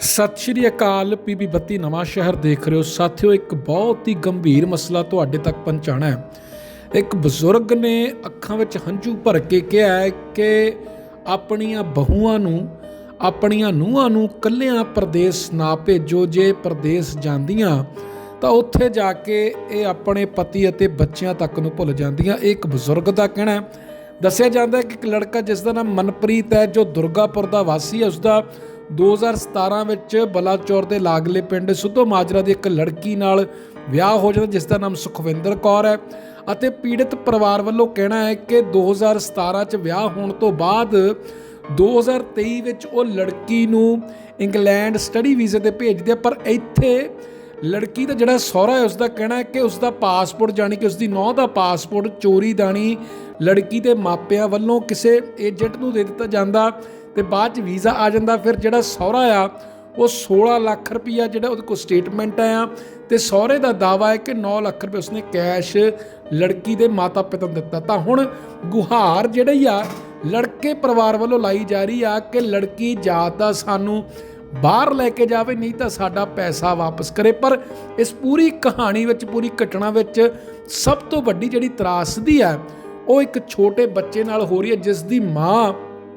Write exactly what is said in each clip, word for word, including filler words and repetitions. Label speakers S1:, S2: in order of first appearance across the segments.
S1: ਸਤਿ ਸ਼੍ਰੀ ਅਕਾਲ। ਪੀਬੀ ਬੱਤੀ ਨਵਾਂ ਸ਼ਹਿਰ ਦੇਖ ਰਹੇ ਹੋ ਸਾਥੀਓ। ਇੱਕ ਬਹੁਤ ਹੀ ਗੰਭੀਰ ਮਸਲਾ ਤੁਹਾਡੇ ਤੱਕ ਪਹੁੰਚਾਉਣਾ ਹੈ। ਇੱਕ ਬਜ਼ੁਰਗ ਨੇ ਅੱਖਾਂ ਵਿੱਚ ਹੰਝੂ ਭਰ ਕੇ ਕਿਹਾ ਹੈ ਕਿ ਆਪਣੀਆਂ ਬਹੂਆਂ ਨੂੰ, ਆਪਣੀਆਂ ਨੂੰਹਾਂ ਨੂੰ ਕੱਲਿਆਂ ਪ੍ਰਦੇਸ਼ ਨਾ ਭੇਜੋ। ਜੇ ਪ੍ਰਦੇਸ਼ ਜਾਂਦੀਆਂ ਤਾਂ ਉੱਥੇ ਜਾ ਕੇ ਇਹ ਆਪਣੇ ਪਤੀ ਅਤੇ ਬੱਚਿਆਂ ਤੱਕ ਨੂੰ ਭੁੱਲ ਜਾਂਦੀਆਂ। ਇਹ ਇੱਕ ਬਜ਼ੁਰਗ ਦਾ ਕਹਿਣਾ ਹੈ। ਦੱਸਿਆ ਜਾਂਦਾ ਹੈ ਕਿ ਇੱਕ ਲੜਕਾ ਜਿਸ ਦਾ ਨਾਮ ਮਨਪ੍ਰੀਤ ਹੈ, ਜੋ ਦੁਰਗਾਪੁਰ ਦਾ ਵਾਸੀ ਹੈ, ਉਸਦਾ ਦੋ ਹਜ਼ਾਰ ਸਤਾਰਾਂ ਵਿੱਚ ਬਲਾਚੌਰ ਦੇ ਲਾਗਲੇ ਪਿੰਡ ਸਿੱਧੋ ਮਾਜਰਾ ਦੀ ਇੱਕ ਲੜਕੀ ਨਾਲ ਵਿਆਹ ਹੋ ਜਾਂਦਾ ਜਿਸ ਦਾ ਨਾਮ ਸੁਖਵਿੰਦਰ ਕੌਰ ਹੈ। ਅਤੇ ਪੀੜਤ ਪਰਿਵਾਰ ਵੱਲੋਂ ਕਹਿਣਾ ਹੈ ਕਿ ਦੋ ਹਜ਼ਾਰ ਸਤਾਰਾਂ 'ਚ ਵਿਆਹ ਹੋਣ ਤੋਂ ਬਾਅਦ ਦੋ ਹਜ਼ਾਰ ਤੇਈ ਵਿੱਚ ਉਹ ਲੜਕੀ ਨੂੰ ਇੰਗਲੈਂਡ ਸਟੱਡੀ ਵੀਜ਼ੇ 'ਤੇ ਭੇਜਦੇ, ਪਰ ਇੱਥੇ ਲੜਕੀ ਦਾ ਜਿਹੜਾ ਸਹੁਰਾ ਹੈ ਉਸਦਾ ਕਹਿਣਾ ਹੈ ਕਿ ਉਸਦਾ ਪਾਸਪੋਰਟ, ਜਾਣੀ ਕਿ ਉਸਦੀ ਨੂੰਹ ਦਾ ਪਾਸਪੋਰਟ ਚੋਰੀ ਦਾਣੀ ਲੜਕੀ ਦੇ ਮਾਪਿਆਂ ਵੱਲੋਂ ਕਿਸੇ ਏਜੰਟ ਨੂੰ ਦੇ ਦਿੱਤਾ ਜਾਂਦਾ ਤੇ ਬਾਅਦ 'ਚ ਵੀਜ਼ਾ ਆ ਜਾਂਦਾ। ਫਿਰ ਜਿਹੜਾ ਸਹੁਰਾ ਆ ਉਹ ਸੋਲਾਂ ਲੱਖ ਰੁਪਈਆ ਜਿਹੜਾ ਉਹਦੇ ਕੋਲ ਸਟੇਟਮੈਂਟ ਆ ਤੇ ਸਹੁਰੇ ਦਾ ਦਾਅਵਾ ਹੈ ਕਿ ਨੌ ਲੱਖ ਰੁਪਏ ਉਸਨੇ ਕੈਸ਼ ਲੜਕੀ ਦੇ ਮਾਤਾ ਪਿਤਾ ਨੂੰ ਦਿੱਤਾ। ਤਾਂ ਹੁਣ ਗੁਹਾਰ ਜਿਹੜੀ ਆ ਲੜਕੇ ਪਰਿਵਾਰ ਵੱਲੋਂ ਲਾਈ ਜਾ ਰਹੀ ਆ ਕਿ ਲੜਕੀ ਜਾਂ ਤਾਂ ਸਾਨੂੰ ਬਾਹਰ ਲੈ ਕੇ ਜਾਵੇ, ਨਹੀਂ ਤਾਂ ਸਾਡਾ ਪੈਸਾ ਵਾਪਸ ਕਰੇ। ਪਰ ਇਸ ਪੂਰੀ ਕਹਾਣੀ ਵਿੱਚ, ਪੂਰੀ ਘਟਨਾ ਵਿੱਚ ਸਭ ਤੋਂ ਵੱਡੀ ਜਿਹੜੀ ਤਰਾਸਦੀ ਹੈ ਉਹ ਇੱਕ ਛੋਟੇ ਬੱਚੇ ਨਾਲ ਹੋ ਰਹੀ ਹੈ, ਜਿਸ ਦੀ ਮਾਂ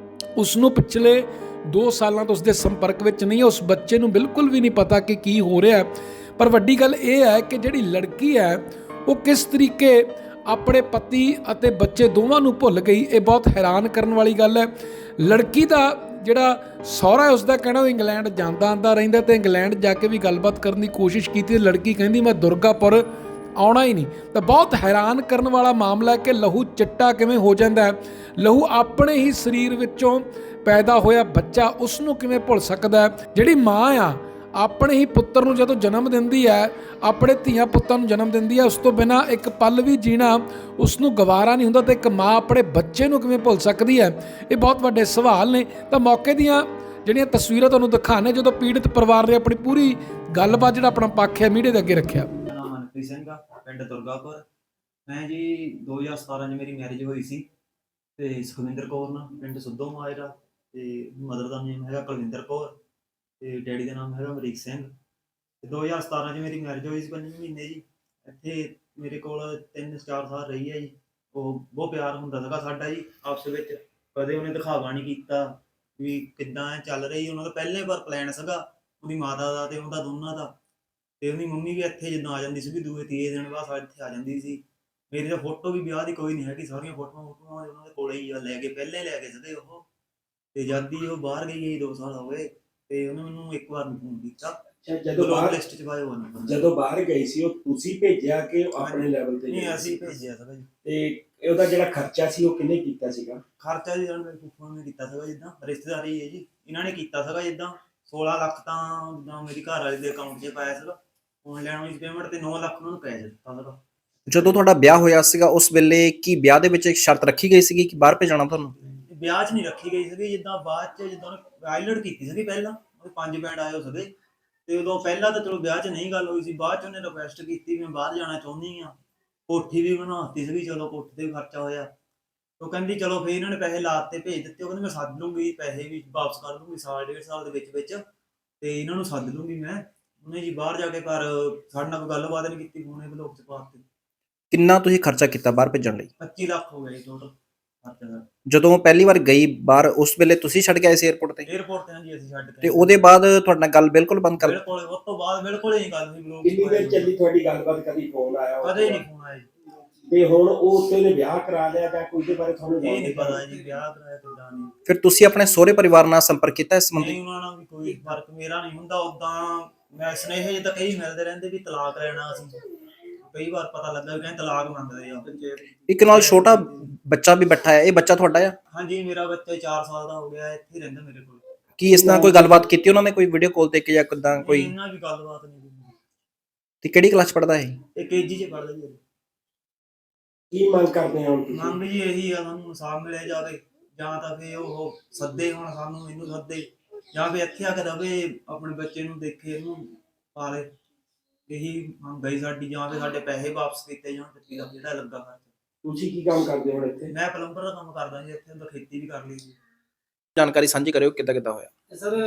S1: ਉਸ ਨੂੰ ਪਿਛਲੇ ਦੋ ਸਾਲਾਂ ਤੋਂ ਉਸਦੇ ਸੰਪਰਕ ਵਿੱਚ ਨਹੀਂ ਹੈ। ਉਸ ਬੱਚੇ ਨੂੰ ਬਿਲਕੁਲ ਵੀ ਨਹੀਂ ਪਤਾ ਕਿ ਕੀ ਹੋ ਰਿਹਾ। ਪਰ ਵੱਡੀ ਗੱਲ ਇਹ ਹੈ ਕਿ ਜਿਹੜੀ ਲੜਕੀ ਹੈ ਉਹ ਕਿਸ ਤਰੀਕੇ ਆਪਣੇ ਪਤੀ ਅਤੇ ਬੱਚੇ ਦੋਵਾਂ ਨੂੰ ਭੁੱਲ ਗਈ। ਇਹ ਬਹੁਤ ਹੈਰਾਨ ਕਰਨ ਵਾਲੀ ਗੱਲ ਹੈ। ਲੜਕੀ ਦਾ ਜਿਹੜਾ ਸਹੁਰਾ ਹੈ ਉਸਦਾ ਕਹਿਣਾ ਉਹ ਇੰਗਲੈਂਡ ਜਾਂਦਾ ਆਉਂਦਾ ਰਹਿੰਦਾ ਤੇ ਇੰਗਲੈਂਡ ਜਾ ਕੇ ਵੀ ਗੱਲਬਾਤ ਕਰਨ ਦੀ ਕੋਸ਼ਿਸ਼ ਕੀਤੀ। ਲੜਕੀ ਕਹਿੰਦੀ ਮੈਂ ਦੁਰਗਾਪੁਰ ਆਉਣਾ ਹੀ ਨਹੀਂ। ਤਾਂ ਬਹੁਤ ਹੈਰਾਨ ਕਰਨ ਵਾਲਾ ਮਾਮਲਾ ਹੈ ਕਿ ਲਹੂ ਚਿੱਟਾ ਕਿਵੇਂ ਹੋ ਜਾਂਦਾ ਹੈ। ਲਹੂ ਆਪਣੇ ਹੀ ਸਰੀਰ ਵਿੱਚੋਂ ਪੈਦਾ ਹੋਇਆ ਬੱਚਾ ਉਸ ਨੂੰ ਕਿਵੇਂ ਭੁੱਲ ਸਕਦਾ ਹੈ। ਜਿਹੜੀ ਮਾਂ ਆ ਆਪਣੇ ਹੀ ਪੁੱਤਰ ਨੂੰ ਜਦੋਂ ਜਨਮ ਦਿੰਦੀ ਹੈ, ਆਪਣੇ ਧੀਆਂ ਪੁੱਤਾਂ ਨੂੰ ਜਨਮ ਦਿੰਦੀ ਹੈ, ਉਸ ਤੋਂ ਬਿਨਾਂ ਇੱਕ ਪਲ ਵੀ ਜੀਣਾ ਉਸ ਨੂੰ ਗਵਾਰਾ ਨਹੀਂ ਹੁੰਦਾ। ਤੇ ਇੱਕ ਮਾਂ ਆਪਣੇ ਬੱਚੇ ਨੂੰ ਕਿਵੇਂ ਭੁੱਲ ਸਕਦੀ ਹੈ? ਇਹ ਬਹੁਤ ਵੱਡੇ ਸਵਾਲ ਨੇ। ਤਾਂ ਮੌਕੇ ਦੀਆਂ ਜਿਹੜੀਆਂ ਤਸਵੀਰਾਂ ਤੁਹਾਨੂੰ ਦਿਖਾਣੇ, ਜਦੋਂ ਪੀੜਤ ਪਰਿਵਾਰ ਨੇ ਆਪਣੀ ਪੂਰੀ ਗੱਲਬਾਤ, ਜਿਹੜਾ ਆਪਣਾ ਪੱਖ ਹੈ, ਮੀਡੀਆ ਦੇ ਅੱਗੇ ਰੱਖਿਆ।
S2: ਮਨਪ੍ਰੀਤ ਸਿੰਘ ਆ, ਪਿੰਡ ਦੁਰਗਾਪੁਰ। ਮੈਂ ਜੀ ਦੋ ਹਜ਼ਾਰ ਸਤਾਰਾਂ 'ਚ ਮੇਰੀ ਮੈਰਿਜ ਹੋਈ ਸੀ ਤੇ ਸੁਖਵਿੰਦਰ ਕੌਰ ਨਾਲ, ਪਿੰਡ ਸਿੱਧੋ ਮਾਜਰਾ। ਤੇ ਮਦਰ ਦਾ ਨੇਮ ਹੈਗਾ ਕੁਲਵਿੰਦਰ ਕੌਰ ਤੇ ਡੈਡੀ ਦਾ ਨਾਮ ਹੈਗਾ ਅਮਰੀਕ ਸਿੰਘ। ਤੇ ਦੋ ਹਜ਼ਾਰ ਸਤਾਰਾਂ 'ਚ ਮੇਰੀ ਮੈਰਿਜ ਹੋਈ ਸੀ, ਪੰਜ ਮਹੀਨੇ ਜੀ ਇੱਥੇ ਮੇਰੇ ਕੋਲ ਤਿੰਨ ਚਾਰ ਸਾਲ ਰਹੀ ਹੈ ਜੀ। ਉਹ ਬਹੁਤ ਪਿਆਰ ਹੁੰਦਾ ਸੀਗਾ ਸਾਡਾ ਜੀ ਆਪਸ ਵਿੱਚ। ਕਦੇ ਉਹਨੇ ਦਿਖਾਵਾ ਨਹੀਂ ਕੀਤਾ ਵੀ ਕਿੱਦਾਂ ਚੱਲ ਰਹੀ ਉਹਨਾਂ ਦਾ। ਪਹਿਲੇ ਵਾਰ ਪਲਾਨ ਸੀਗਾ ਉਹਦੀ ਮਾਤਾ ਦਾ ਤੇ ਉਹਦਾ ਦੋਨਾਂ ਦਾ। ਤੇ ਉਹਦੀ ਮੰਮੀ ਵੀ ਇੱਥੇ ਜਦੋਂ ਆ ਜਾਂਦੀ ਸੀ, ਦੂਏ ਤੀਏ ਦਿਨ ਬਾਅਦ ਸਾਡੇ ਇੱਥੇ ਆ ਜਾਂਦੀ ਸੀ। ਮੇਰੀ ਤਾਂ ਫੋਟੋ ਵੀ ਵਿਆਹ ਦੀ ਕੋਈ ਨਹੀਂ ਹੈਗੀ, ਸਾਰੀਆਂ ਫੋਟੋਆਂ ਫੋਟੋਆਂ ਉਹਨਾਂ ਦੇ ਕੋਲੇ ਹੀ ਆ, ਲੈ ਕੇ ਪਹਿਲੇ ਲੈ ਕੇ ਸੀਗੇ ਉਹ। ਤੇ ਜਦ ਦੀ ਉਹ ਬਾਹਰ ਗਈ ਹੈ ਦੋ ਸਾਲ ਹੋ ਗਏ ਤੇ ਉਹਨੇ ਮੈਨੂੰ ਇੱਕ ਵਾਰ ਨਹੀਂ ਫੋਨ ਕੀਤਾ।
S3: ਜਦੋਂ ਬਾਹਰ
S2: ਲਿਸਟ 'ਚ ਪਾਇਆ ਹੋਇਆ ਨੰਬਰ।
S3: ਜਦੋਂ ਬਾਹਰ ਗਈ ਸੀ ਉਹ ਤੁਸੀਂ ਭੇਜਿਆ ਕਿ ਆਪਣੇ ਲੈਵਲ ਤੇ?
S2: ਨਹੀਂ, ਅਸੀਂ ਭੇਜਿਆ ਸੀਗਾ ਜੀ।
S3: ਤੇ ਉਹਦਾ ਜਿਹੜਾ ਖਰਚਾ ਸੀ ਉਹ ਕਿਹਨੇ ਕੀਤਾ ਸੀਗਾ?
S2: ਖਰਚਾ ਜੀ ਮੇਰੇ ਫੁੱਫੜ ਨੇ ਕੀਤਾ ਸੀਗਾ, ਜਿੱਦਾਂ ਰਿਸ਼ਤੇਦਾਰੀ ਹੈ ਜੀ, ਇਹਨਾਂ ਨੇ ਕੀਤਾ ਸੀਗਾ। ਜਿੱਦਾਂ ਸੋਲਾਂ ਲੱਖ ਤਾਂ ਜਿੱਦਾਂ ਮੇਰੀ ਘਰ ਵਾਲੇ ਦੇ ਅਕਾਊਂਟ 'ਚ ਪਾਇਆ ਸੀਗਾ ਆਨਲਾਈਨ ਵਾਲੀ ਪੇਮੈਂਟ, ਤੇ ਨੌ ਲੱਖ ਉਹਨੂੰ ਕੈਸ਼ ਦਿੱਤਾ ਸੀਗਾ।
S4: ਜਦੋਂ ਤੁਹਾਡਾ ਵਿਆਹ ਹੋਇਆ ਸੀਗਾ ਉਸ ਵੇਲੇ ਕੀ ਵਿਆਹ ਦੇ ਵਿੱਚ ਇੱਕ ਸ਼ਰਤ ਰੱਖੀ ਗਈ ਸੀਗੀ ਕਿ ਬਾਹਰ ਭੇਜਣਾ ਤੁਹਾਨੂੰ?
S2: ਵਿਆਹ 'ਚ ਨਹੀਂ ਰੱਖੀ ਗਈ ਸੀਗੀ। ਜਿੱਦਾਂ ਬਾਅਦ 'ਚ ਜਿੱਦਾਂ ਉਹਨੇ ਆਈਲੈਂਡ ਕੀਤੀ ਸੀਗੀ ਪਹਿਲਾਂ, ਉਹਦੇ ਪੰਜ ਬੈਂਡ ਆਏ ਹੋ ਸੀਗੇ। ਤੇ ਉਦੋਂ ਪਹਿਲਾਂ ਤਾਂ ਚਲੋ ਵਿਆਹ 'ਚ ਨਹੀਂ ਗੱਲ ਹੋਈ ਸੀ, ਬਾਅਦ 'ਚ ਉਹਨੇ ਰਿਕੁਐਸਟ ਕੀਤੀ ਮੈਂ ਬਾਹਰ ਜਾਣਾ ਚਾਹੁੰਦੀ ਹਾਂ। ਕੋਠੀ ਵੀ ਬਣਾਤੀ ਸੀਗੀ, ਚਲੋ ਕੋਠੀ 'ਤੇ ਵੀ ਖਰਚਾ ਹੋਇਆ। ਉਹ ਕਹਿੰਦੀ ਚਲੋ ਫਿਰ ਇਹਨਾਂ ਨੇ ਪੈਸੇ ਲਾਤੇ, ਭੇਜ ਦਿੱਤੇ। ਉਹ ਕਹਿੰਦੀ ਮੈਂ ਸੱਦ ਲੂੰਗੀ, ਪੈਸੇ ਵੀ ਵਾਪਸ ਕਰ ਦੂੰਗੀ ਸਾਲ ਡੇਢ ਸਾਲ ਦੇ ਵਿੱਚ ਵਿੱਚ, ਤੇ ਇਹਨਾਂ ਨੂੰ ਸੱਦ ਲੂੰਗੀ ਮੈਂ। ਉਹਨੇ ਜੀ ਬਾਹਰ ਜਾ ਕੇ ਘਰ ਸਾਡੇ ਨਾਲ ਕੋਈ ਗੱਲਬਾਤ ਨਹੀਂ ਕੀਤੀ, ਫੋਨੇ ਬਲੌਕ 'ਚ ਪਾਤੇ।
S4: ਕਿੰਨਾ ਤੁਸੀਂ ਖਰਚਾ ਕੀਤਾ ਬਾਹਰ ਭੇਜਣ ਲਈ?
S2: ਪੱਚੀ ਲੱਖ ਹੋ ਗਿਆ ਜੀ ਟੋਟਲ ਖਰਚਾ।
S4: ਜਦੋਂ ਪਹਿਲੀ ਵਾਰ ਗਈ ਬਾਹਰ ਉਸ ਵੇਲੇ ਤੁਸੀਂ ਛੱਡ ਕੇ ਆਏ ਸੀ 에ਅਰਪੋਰਟ ਤੇ?
S2: 에ਅਰਪੋਰਟ ਤੇ ਹਾਂ ਜੀ ਅਸੀਂ ਛੱਡ ਕੇ।
S4: ਤੇ ਉਹਦੇ ਬਾਅਦ ਤੁਹਾਡੇ ਨਾਲ ਗੱਲ ਬਿਲਕੁਲ ਬੰਦ ਕਰ?
S2: ਬਿਲਕੁਲ, ਉਸ ਤੋਂ ਬਾਅਦ ਬਿਲਕੁਲ ਹੀ ਨਹੀਂ ਗੱਲ ਹੋਈ। ਬਲੌਕ
S3: ਕਿੰਨੀ ਦੇਰ ਚੱਲੀ ਤੁਹਾਡੀ ਗੱਲਬਾਤ? ਕਦੀ ਫੋਨ ਆਇਆ?
S2: ਕਦੇ ਨਹੀਂ ਫੋਨ ਆਇਆ ਜੀ।
S3: ਤੇ ਹੁਣ ਉਹ ਉੱਥੇ ਨੇ ਵਿਆਹ ਕਰਾ ਲਿਆ ਜਾਂ ਕੋਈ ਦੇ ਬਾਰੇ ਤੁਹਾਨੂੰ
S2: ਇਹ ਨਹੀਂ ਪਤਾ ਜੀ ਵਿਆਹ ਕਰਾਇਆ ਕਿੱਦਾਂ ਨਹੀਂ।
S4: ਫਿਰ ਤੁਸੀਂ ਆਪਣੇ ਸਹੁਰੇ ਪਰਿਵਾਰ ਨਾਲ ਸੰਪਰਕ ਕੀਤਾ ਇਸ ਸੰਬੰਧੀ?
S2: ਨਹੀਂ, ਉਹਨਾਂ ਨਾਲ ਵੀ ਕੋਈ ਫਰਕ ਮੇਰਾ ਨਹੀਂ ਹੁੰਦਾ। ਉਦਾਂ ਮੈਂ ਸੁਨੇਹੇ ਜੇ ਤਾਂ ਕਈ ਮਿਲਦੇ ਰਹਿੰਦੇ ਵੀ ਤਲਾਕ ਲੈਣਾ ਅਸੀਂ। ਕਈ ਵਾਰ ਪਤਾ ਲੱਗਾ ਵੀ ਕਹਿੰਦੇ ਤਲਾਕ ਮੰਗਦੇ ਆ।
S4: ਇੱਕ ਨਾਲ ਛੋਟਾ ਬੱਚਾ ਵੀ ਬੈਠਾ ਹੈ, ਇਹ ਬੱਚਾ ਤੁਹਾਡਾ ਆ?
S2: ਹਾਂਜੀ, ਮੇਰਾ ਬੱਚਾ ਚਾਰ ਸਾਲ ਦਾ ਹੋ ਗਿਆ, ਇੱਥੇ ਰਹਿੰਦਾ ਮੇਰੇ ਕੋਲ।
S4: ਕੀ ਇਸ ਨਾਲ ਕੋਈ ਗੱਲਬਾਤ ਕੀਤੀ ਉਹਨਾਂ ਨੇ, ਕੋਈ ਵੀਡੀਓ ਕਾਲ ਤੇ ਕਿ ਜਾਂ ਕਿੱਦਾਂ ਕੋਈ?
S2: ਇਹਨਾਂ ਵੀ ਗੱਲਬਾਤ ਨਹੀਂ ਕੀਤੀ।
S4: ਤੇ ਕਿਹੜੀ ਕਲਾਸ ਪੜ੍ਹਦਾ ਹੈ?
S2: ਇਹ ਕੇਜੀ 'ਚ ਪੜ੍ਹਦਾ ਜੀ।
S3: ਕੀ ਮੰਗ ਕਰਦੇ ਹੋ ਤੁਸੀਂ?
S2: ਮੰਗ ਜੀ ਇਹੀ ਆ, ਸਾਨੂੰ ਇਨਸਾਫ ਮਿਲਿਆ ਜਾਵੇ, ਜਾਂ ਤਾਂ ਫਿਰ ਉਹ ਸੱਦੇ ਹੁਣ ਸਾਨੂੰ, ਇਹਨੂੰ ਸੱਦੇ, ਜਾਂ ਫਿਰ ਇੱਥੇ ਆ ਕੇ ਰਵੇ, ਆਪਣੇ ਬੱਚੇ ਨੂੰ ਦੇਖੇ, ਇਹਨੂੰ ਪਾਲੇ। ਇਹੀ ਮੰਗ ਗਈ ਸਾਡੀ। ਜਾਂ ਫਿਰ ਸਾਡੇ ਪੈਸੇ ਵਾਪਸ ਕੀਤੇ ਜਾਣ ਪੱਚੀ ਲੱਖ ਜਿਹੜਾ ਲੱਗਾ ਖਰਚਾ।
S3: ਤੁਸੀਂ ਕੀ ਕੰਮ ਕਰਦੇ ਹੋ ਇੱਥੇ?
S2: ਮੈਂ ਪਲੰਬਰ ਦਾ ਕੰਮ ਕਰਦਾ ਜੀ ਇੱਥੇ, ਤਾਂ ਖੇਤੀ ਵੀ ਕਰ ਲਈ ਜੀ।
S4: ਜਾਣਕਾਰੀ ਸਾਂਝੀ ਕਰਿਓ ਕਿੱਦਾਂ ਕਿੱਦਾਂ ਹੋਇਆ
S5: ਸਰ।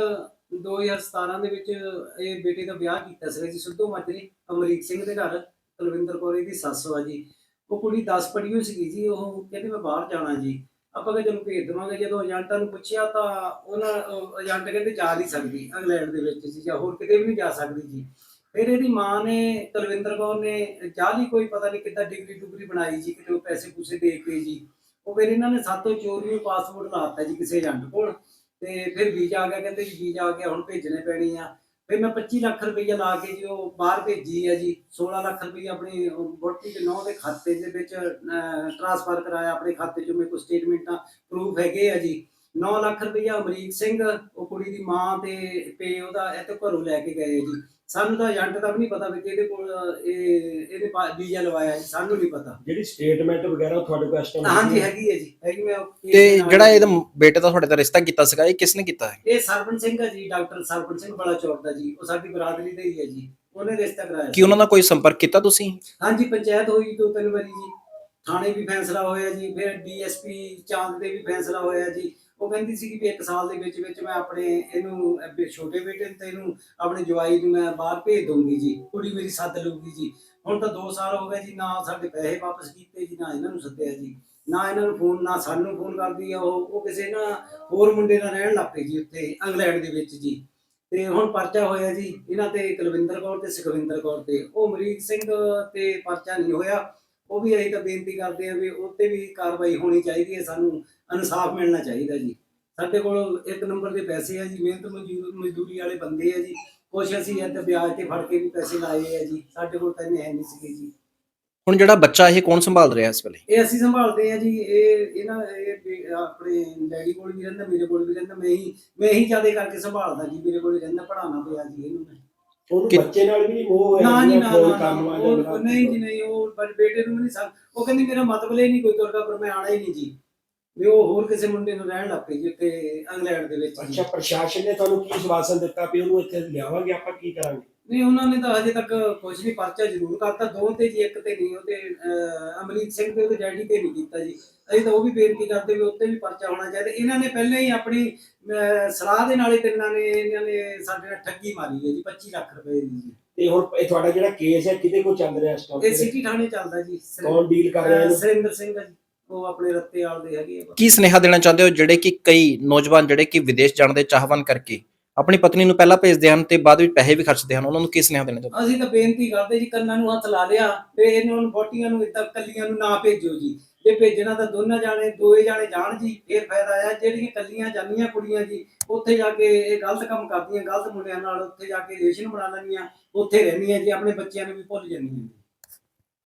S5: ਦੋ ਹਜ਼ਾਰ ਸਤਾਰਾਂ ਦੇ ਵਿੱਚ ਇਹ ਬੇਟੇ ਦਾ ਵਿਆਹ ਕੀਤਾ ਸੀਗਾ ਜੀ ਸਿੱਧੂ ਮਾਜਰੇ ਅਮਰੀਕ ਸਿੰਘ ਦੇ ਘਰ। ਕੁਲਵਿੰਦਰ ਕੌਰ ਇਹਦੀ ਸੱਸ ਵਾ ਜੀ। ਉਹ ਕੁੜੀ ਦਸ ਪੜ੍ਹੀ ਹੋਈ ਸੀਗੀ ਜੀ। ਉਹ ਕਹਿੰਦੀ ਮੈਂ ਬਾਹਰ ਜਾਣਾ ਜੀ। ਆਪਾਂ ਕਿਹਾ ਚਲੋ ਭੇਜ ਦੇਵਾਂਗੇ। ਜਦੋਂ ਏਜੰਟਾਂ ਨੂੰ ਪੁੱਛਿਆ ਤਾਂ ਉਹਨਾਂ ਉਹ ਏਜੰਟ ਕਹਿੰਦੇ ਜਾ ਨਹੀਂ ਸਕਦੀ ਇੰਗਲੈਂਡ ਦੇ ਵਿੱਚ ਜੀ, ਜਾਂ ਹੋਰ ਕਿਤੇ ਵੀ ਨਹੀਂ ਜਾ ਸਕਦੀ ਜੀ। ਫਿਰ ਇਹਦੀ ਮਾਂ ਨੇ ਕੁਲਵਿੰਦਰ ਕੌਰ ਨੇ ਜਾਲੀ ਕੋਈ ਪਤਾ ਨਹੀਂ ਕਿੱਦਾਂ ਡਿਗਰੀ ਡੁਗਰੀ ਬਣਾਈ ਜੀ, ਕਿਤੇ ਉਹ ਪੈਸੇ ਪੂਸੇ ਦੇ ਕੇ ਜੀ। ਉਹ ਫਿਰ ਇਹਨਾਂ ਨੇ ਸਾਤੋਂ ਚੋਰੀ ਪਾਸਪੋਰਟ ਲਾਤਾ ਜੀ ਕਿਸੇ ਏਜੰਟ ਕੋਲ, ਤੇ ਫਿਰ ਵੀਜ਼ਾ ਆ ਗਿਆ। ਕਹਿੰਦੇ ਜੀ ਵੀਜ਼ਾ ਆ ਗਿਆ, ਹੁਣ ਭੇਜਣੇ ਪੈਣੀ ਆ। ਫਿਰ ਮੈਂ ਪੱਚੀ ਲੱਖ ਰੁਪਈਆ ਲਾ ਕੇ ਜੀ ਉਹ ਬਾਹਰ ਭੇਜੀ ਆ ਜੀ। ਸੋਲਾਂ ਲੱਖ ਰੁਪਈਆ ਆਪਣੀ ਵਹੁਟੀ ਦੇ ਨੌਂ ਦੇ ਖਾਤੇ ਦੇ ਵਿੱਚ ਟ੍ਰਾਂਸਫਰ ਕਰਾਇਆ। ਆਪਣੇ ਖਾਤੇ 'ਚੋਂ ਮੇਰੇ ਕੋਲ ਸਟੇਟਮੈਂਟਾਂ ਪ੍ਰੂਫ ਹੈਗੇ ਆ ਜੀ। ਨੌਂ ਲੱਖ ਰੁਪਈਆ ਅਮਰੀਕ ਸਿੰਘ ਉਹ ਕੁੜੀ ਦੀ ਮਾਂ ਤੇ ਪੇ ਉਹਦਾ ਇਹ ਤੋਂ ਘਰੋਂ ਲੈ ਕੇ ਗਏ ਜੀ। ਸਾਨੂੰ ਤਾਂ ਏਜੰਟ ਦਾ ਵੀ ਨਹੀਂ ਪਤਾ ਵੀ ਕਿਹਦੇ ਕੋਲ ਇਹ ਇਹਦੇ ਵੀਜ਼ਾ ਲਵਾਇਆ ਜੀ, ਸਾਨੂੰ ਨਹੀਂ ਪਤਾ।
S3: ਜਿਹੜੀ ਸਟੇਟਮੈਂਟ ਵਗੈਰਾ ਉਹ ਤੁਹਾਡੇ ਕੋਲ ਇਸ ਟਾਈਮ
S5: ਹਾਂਜੀ ਹੈਗੀ ਹੈ ਜੀ, ਹੈਗੀ। ਮੈਂ
S4: ਤੇ ਜਿਹੜਾ ਇਹਦਾ ਬੇਟੇ ਦਾ ਤੁਹਾਡੇ ਦਾ ਰਿਸ਼ਤਾ ਕੀਤਾ ਸੀਗਾ, ਇਹ ਕਿਸਨੇ ਕੀਤਾ ਹੈ?
S5: ਇਹ ਸਰਪਣ ਸਿੰਘ ਹੈ ਜੀ, ਡਾਕਟਰ ਸਰਪਣ ਸਿੰਘ ਬੜਾ ਚੌਕ ਦਾ ਜੀ। ਉਹ ਸਾਡੀ ਬਰਾਦਰੀ ਦਾ ਹੀ ਹੈ ਜੀ। ਉਹਨੇ ਰਿਸ਼ਤਾ ਕਰਾਇਆ।
S4: ਕੀ ਉਹਨਾਂ ਨਾਲ ਕੋਈ ਸੰਪਰਕ ਕੀਤਾ ਤੁਸੀਂ?
S5: ਹਾਂਜੀ ਪੰਚਾਇਤ ਹੋਈ ਦੋ ਤਿੰਨ ਵਾਰੀ ਜੀ, ਥਾਣੇ ਵੀ ਫੈਸਲਾ ਹੋਇਆ ਜੀ। ਫਿਰ ਡੀਐਸਪੀ ਚਾਂਦ ਦੇ ਵੀ ਫੈਸਲਾ ਹੋਇਆ ਜੀ। ਉਹ ਕਹਿੰਦੀ ਸੀ ਕਿ ਇੱਕ ਸਾਲ ਦੇ ਵਿੱਚ ਵਿੱਚ ਮੈਂ ਆਪਣੇ ਇਹਨੂੰ ਅਹ ਛੋਟੇ ਬੇਟੇ ਨੂੰ ਤੇ ਇਹਨੂੰ ਆਪਣੇ ਜਵਾਈ ਨੂੰ ਮੈਂ ਬਾਹਰ ਭੇਜ ਦਊਂਗੀ ਜੀ, ਕੁੜੀ ਮੇਰੀ ਸੱਦ ਲਊਗੀ ਜੀ। ਹੁਣ ਤਾਂ ਦੋ ਸਾਲ ਹੋ ਗਏ ਜੀ, ਨਾ ਸਾਡੇ ਪੈਸੇ ਵਾਪਸ ਕੀਤੇ ਜੀ, ਨਾ ਇਹਨਾਂ ਨੂੰ ਸੱਦਿਆ ਜੀ, ਨਾ ਇਹਨਾਂ ਨੂੰ ਫੋਨ, ਨਾ ਸਾਨੂੰ ਫੋਨ ਕਰਦੀ ਆ ਉਹ। ਉਹ ਕਿਸੇ ਨਾ ਹੋਰ ਮੁੰਡੇ ਨਾਲ ਰਹਿਣ ਲੱਗ ਪਏ ਜੀ ਉੱਥੇ ਇੰਗਲੈਂਡ ਦੇ ਵਿੱਚ ਜੀ। ਤੇ ਹੁਣ ਪਰਚਾ ਹੋਇਆ ਜੀ ਇਹਨਾਂ ਤੇ ਕੁਲਵਿੰਦਰ ਕੌਰ ਤੇ ਸੁਖਵਿੰਦਰ ਕੌਰ ਤੇ। ਉਹ ਅਮਰੀਕ ਸਿੰਘ ਤੇ ਪਰਚਾ ਨਹੀਂ ਹੋਇਆ। ਉਹ ਵੀ ਅਸੀਂ ਤਾਂ ਬੇਨਤੀ ਕਰਦੇ ਆ ਵੀ ਉੱਤੇ ਵੀ ਕਾਰਵਾਈ ਹੋਣੀ ਚਾਹੀਦੀ ਹੈ। ਸਾਨੂੰ ਇਨਸਾਫ ਮਿਲਣਾ ਚਾਹੀਦਾ ਜੀ। ਸਾਡੇ ਕੋਲ ਇੱਕ ਨੰਬਰ ਦੇ ਪੈਸੇ ਆ ਜੀ, ਮਿਹਨਤ ਮਜ਼ਦੂਰ ਮਜ਼ਦੂਰੀ ਵਾਲੇ ਬੰਦੇ ਆ ਜੀ। ਕੁਛ ਅਸੀਂ ਇੱਥੇ ਵਿਆਜ ਤੇ ਫੜ ਕੇ ਵੀ ਪੈਸੇ ਲਾਏ ਆ ਜੀ। ਸਾਡੇ ਕੋਲ ਤਾਂ ਇੰਨੇ ਹੈ ਨਹੀਂ ਸੀਗੇ ਜੀ।
S4: ਹੁਣ ਜਿਹੜਾ ਬੱਚਾ ਇਹ ਕੌਣ ਸੰਭਾਲ ਰਿਹਾ ਇਸ ਵੇਲੇ?
S5: ਇਹ ਅਸੀਂ ਸੰਭਾਲਦੇ ਆ ਜੀ। ਇਹ ਇਹਨਾਂ ਇਹ ਆਪਣੇ ਡੈਡੀ ਕੋਲ ਵੀ ਰਹਿੰਦਾ, ਮੇਰੇ ਕੋਲ ਵੀ ਰਹਿੰਦਾ। ਮੈਂ ਹੀ ਮੈਂ ਹੀ ਜ਼ਿਆਦਾ ਕਰਕੇ ਸੰਭਾਲਦਾ ਜੀ। ਮੇਰੇ ਕੋਲ ਹੀ ਰਹਿੰਦਾ, ਪੜ੍ਹਾਉਣਾ ਪਿਆ ਜੀ ਇਹਨੂੰ ਮੈਂ।
S3: ਉਹਨੂੰ ਬੱਚੇ ਨਾਲ ਵੀ ਨਹੀਂ ਮੋਹ ਹੋਇਆ?
S5: ਨਾ ਜੀ ਨਾ,
S3: ਕੋਈ
S5: ਨਾ,
S3: ਕੰਮ
S5: ਨਾ,
S3: ਆ
S5: ਉਹ-
S3: ਜਾਂਦਾ?
S5: ਨਹੀਂ ਜੀ ਨਹੀਂ, ਉਹ ਬਸ ਬੇਟੇ ਨੂੰ ਵੀ ਨਹੀਂ ਸਾ। ਉਹ ਕਹਿੰਦੀ ਮੇਰਾ ਮਤਲਬ ਇਹ ਨਹੀਂ ਕੋਈ ਤੁਰਦਾ, ਪਰ ਮੈਂ ਆਣਾ ਹੀ ਨਹੀਂ ਜੀ। ਵੀ ਉਹ ਹੋਰ ਕਿਸੇ ਮੁੰਡੇ ਨੂੰ ਰਹਿਣ ਲੱਗ ਪਈ ਜੀ ਉੱਥੇ ਇੰਗਲੈਂਡ ਦੇ ਵਿੱਚ ਜੀ।
S3: ਅੱਛਾ, ਪ੍ਰਸ਼ਾਸਨ ਨੇ ਤੁਹਾਨੂੰ ਕੀ ਆਸ਼ਵਾਸਨ ਦਿੱਤਾ ਵੀ ਉਹਨੂੰ ਇੱਥੇ ਲਿਆਵਾਂਗੇ, ਆਪਾਂ ਕੀ ਕਰਾਂਗੇ?
S5: ਨਹੀਂ ਉਹਨਾਂ ਨੇ ਤਾਂ ਹਜੇ ਤੱਕ ਕੁਝ ਨਹੀਂ। ਪਰਚਾ ਜ਼ਰੂਰ ਕਰਤਾ ਦੋ ਤੇ ਜੀ, ਇੱਕ ਤੇ ਨਹੀਂ। ਉਹਦੇ ਅਹ, ਅਮਰੀਕ ਸਿੰਘ ਤੇ ਉਹਦੇ ਡੈਡੀ ਤੇ ਨਹੀਂ ਕੀਤਾ ਜੀ। ਅਸੀਂ ਤਾਂ ਉਹ ਵੀ ਬੇਨਤੀ ਕਰਦੇ ਵੀ ਉੱਤੇ ਵੀ ਪਰਚਾ ਹੋਣਾ ਚਾਹੀਦਾ। ਇਹਨਾਂ ਨੇ ਪਹਿਲਾਂ ਹੀ ਆਪਣੀ ਅਹ, ਸਲਾਹ ਦੇ ਨਾਲ ਹੀ ਤਿੰਨਾਂ ਨੇ ਇਹਨਾਂ ਨੇ ਸਾਡੇ ਨਾਲ ਠੱਗੀ ਮਾਰੀ ਹੈ ਜੀ ਪੱਚੀ ਲੱਖ ਰੁਪਏ ਦੀ ਜੀ।
S3: ਤੇ ਹੁਣ ਇਹ ਤੁਹਾਡਾ ਜਿਹੜਾ ਕੇਸ ਹੈ ਕਿਹਦੇ ਕੋਲ ਚੱਲ ਰਿਹਾ ਇਸ ਟਾਈਮ?
S5: ਇਹ ਸਿਟੀ ਥਾਣੇ ਚੱਲਦਾ ਜੀ।
S3: ਕੌਣ ਡੀਲ ਕਰ ਰਿਹਾ
S5: ਅਹ,
S3: ਇਹਨੂੰ?
S5: ਸੁਰਿੰਦਰ ਸਿੰਘ ਆ ਜੀ, ਉਹ ਆਪਣੇ ਰੱਤੇ ਵਾਲ ਦੇ ਹੈਗੇ ਆ।
S4: ਕੀ ਸੁਨੇਹਾ ਦੇਣਾ ਚਾਹੁੰਦੇ ਹੋ ਜਿਹੜੇ ਕਿ ਕਈ ਨੌਜਵਾਨ ਜਿਹੜੇ ਕਿ ਵਿਦੇਸ਼ ਜਾਣ ਦੇ ਚਾਹਵਾਨ ਕਰਕੇ ਆਪਣੀ ਪਤਨੀ ਨੂੰ ਪਹਿਲਾਂ ਭੇਜਦੇ ਹਨ ਤੇ ਬਾਅਦ ਵਿੱਚ ਪੈਸੇ ਵੀ ਖਰਚਦੇ ਹਨ, ਉਹਨਾਂ ਨੂੰ ਕੀ ਸੁਨੇਹਾ ਦੇਣਾ ਚਾਹੁੰਦੇ?
S5: ਅਸੀਂ ਤਾਂ ਬੇਨਤੀ ਕਰਦੇ ਜੀ, ਕੰਨਾਂ ਨੂੰ ਹੱਥ ਲਾ ਲਿਆ ਤੇ ਇਹਨਾਂ ਨੂੰ ਬੋਟੀਆਂ ਨੂੰ ਇੱਦਾਂ ਕੱਲੀਆਂ ਨੂੰ ਨਾ ਭੇਜੋ ਜੀ। ਜੇ ਭੇਜਣਾ ਤਾਂ ਦੋਨਾਂ ਜਾਣੇ ਦੋਏ ਜਾਣੇ ਜਾਣ ਜੀ, ਫੇਰ ਫਾਇਦਾ ਆ। ਜਿਹੜੀਆਂ ਕੱਲੀਆਂ ਜਾਂਦੀਆਂ ਕੁੜੀਆਂ ਜੀ ਉੱਥੇ ਜਾ ਕੇ ਇਹ ਗਲਤ ਕੰਮ ਕਰਦੀਆਂ, ਗਲਤ ਮੁੰਡਿਆਂ ਨਾਲ ਉੱਥੇ ਜਾ ਕੇ ਰਿਲੇਸ਼ਨ ਬਣਾ ਲੈਂਦੀਆਂ, ਉੱਥੇ ਰਹਿੰਦੀਆਂ ਜੀ, ਆਪਣੇ ਬੱਚਿਆਂ ਨੂੰ ਵੀ ਭੁੱਲ ਜਾਂਦੀਆਂ।